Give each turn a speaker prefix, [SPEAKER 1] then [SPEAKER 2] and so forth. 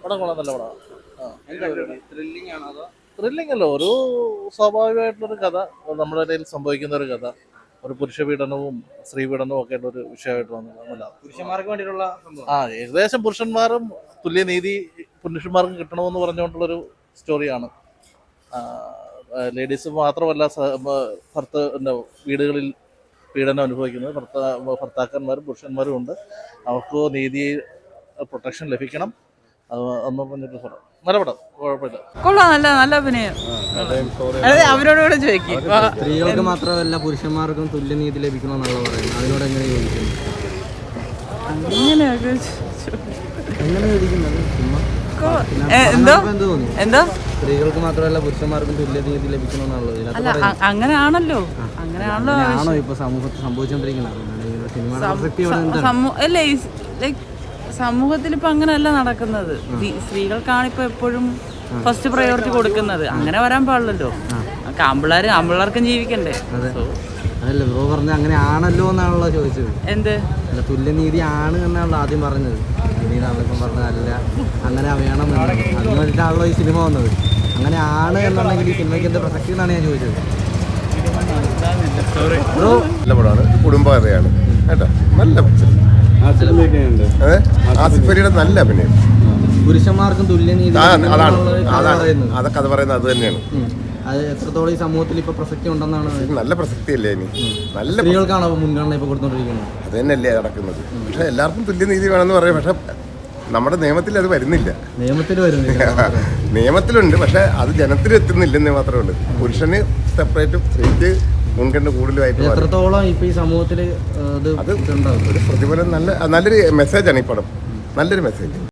[SPEAKER 1] പടം കൊള്ളാം, നല്ല പടമാണ്. ത്രില്ലിംഗ് അല്ല, ഒരു സ്വാഭാവികമായിട്ടുള്ളൊരു കഥ, നമ്മുടെ ഇടയിൽ സംഭവിക്കുന്ന ഒരു കഥ, ഒരു പുരുഷ പീഡനവും സ്ത്രീ പീഡനവും ഒക്കെ ആയിട്ട് ഒരു വിഷയമായിട്ട് വന്നതാണ്.
[SPEAKER 2] പുരുഷന്മാർക്ക് വേണ്ടിയിട്ടുള്ള
[SPEAKER 1] ഏകദേശം പുരുഷന്മാരും തുല്യനീതി പുരുഷന്മാർക്കും കിട്ടണമെന്ന് പറഞ്ഞുകൊണ്ടുള്ളൊരു സ്റ്റോറിയാണ്. ലേഡീസ് മാത്രമല്ല വീടുകളിൽ പീഡനം അനുഭവിക്കുന്നത് ഭർത്താക്കന്മാരും പുരുഷന്മാരും ഉണ്ട്. അവർക്ക് നീതി പ്രൊട്ടക്ഷൻ ലഭിക്കണം. അത് എന്ന് പറഞ്ഞിട്ട് പടം, നല്ല പടം, കുഴപ്പമില്ല,
[SPEAKER 3] കൊള്ളാം, നല്ല അഭിനയം. അതെ, അവരോട് ചോദിക്കും.
[SPEAKER 2] സ്ത്രീകൾക്ക് മാത്രമല്ല പുരുഷന്മാർക്കും തുല്യനീതി ലഭിക്കണമെന്നുള്ള പറയുന്നത്, അതിനോട് എങ്ങനെ യോജിക്കുന്നു? എങ്ങനെ യോജിക്കുന്നത്?
[SPEAKER 3] എന്തോ
[SPEAKER 2] സ്ത്രീകൾക്ക് മാത്രമല്ല പുരുഷന്മാർക്കും തുല്യനീതി ലഭിക്കണമെന്നുള്ളത്
[SPEAKER 3] അല്ല, അങ്ങനെയാണല്ലോ
[SPEAKER 2] ആണോ ഇപ്പൊ സമൂഹത്തിൽ സംഭവിച്ചുകൊണ്ടിരിക്കുന്നത്?
[SPEAKER 3] അല്ലേ, ലൈക് സമൂഹത്തിൽ ഇപ്പൊ അങ്ങനെയല്ല നടക്കുന്നത്. സ്ത്രീകൾക്കാണ് ഇപ്പൊ എപ്പോഴും ഫസ്റ്റ് പ്രയോറിറ്റി കൊടുക്കുന്നത്. അങ്ങനെ വരാൻ പാടില്ലല്ലോ. ആമ്പിള്ളേർക്കും ജീവിക്കണ്ടേ.
[SPEAKER 2] അതല്ല ബ്രോ പറഞ്ഞ അങ്ങനെ ആണല്ലോ എന്നാണല്ലോ ചോദിച്ചത്.
[SPEAKER 3] എന്ത്
[SPEAKER 2] അല്ല, തുല്യനീതി ആണ് എന്നാണല്ലോ ആദ്യം പറഞ്ഞത്. ഇപ്പം പറഞ്ഞതല്ല, അങ്ങനെ വേണം എന്നാണ്. അതിന് വേണ്ടിയിട്ടാണല്ലോ ഈ സിനിമ വന്നത്. അങ്ങനെ ആണ് എന്നുണ്ടെങ്കിൽ ഈ സിനിമയ്ക്ക് എന്താ പ്രസക്തി എന്നാണ് ഞാൻ ചോദിച്ചത്.
[SPEAKER 4] ബ്രോ നല്ല പടമാണ്, കുടുംബകഥയാണ് കേട്ടോ, നല്ല ആസിഫ് അലിയുടെ നല്ല അഭിനയം.
[SPEAKER 2] പുരുഷന്മാർക്കും തുല്യനീതി
[SPEAKER 4] അതാണ് അതൊക്കെ അത് പറയുന്നത് അത് തന്നെയാണ്.
[SPEAKER 2] അത് എത്രത്തോളം ഈ സമൂഹത്തിൽ ഇപ്പൊ പ്രസക്തി ഉണ്ടെന്നാണ്.
[SPEAKER 4] നല്ല പ്രസക്തിയല്ലേ ഇനി? നല്ല
[SPEAKER 2] സ്ത്രീകൾക്കാണോ മുൻഗണന ഇപ്പൊ കൊടുത്തോണ്ടിരിക്കുന്നത്?
[SPEAKER 4] അത് തന്നെയല്ലേ നടക്കുന്നത്. പക്ഷെ എല്ലാവർക്കും തുല്യനീതി വേണമെന്ന് പറയും. പക്ഷെ നമ്മുടെ നിയമത്തിൽ അത് വരുന്നില്ല. നിയമത്തിലുണ്ട്, പക്ഷെ അത് ജനത്തിൽ എത്തുന്നില്ലെന്നേ മാത്രമേ ഉള്ളൂ. പുരുഷന് സെപ്പറേറ്റും സ്ത്രീക്ക് മുൻഗണന കൂടുതലായിട്ട്.
[SPEAKER 2] എത്രത്തോളം ഇപ്പൊ ഈ സമൂഹത്തിൽ
[SPEAKER 4] അത് ഒരു പ്രതിഫലം, നല്ലൊരു മെസ്സേജാണ് ഈ പടം, നല്ലൊരു മെസ്സേജ്.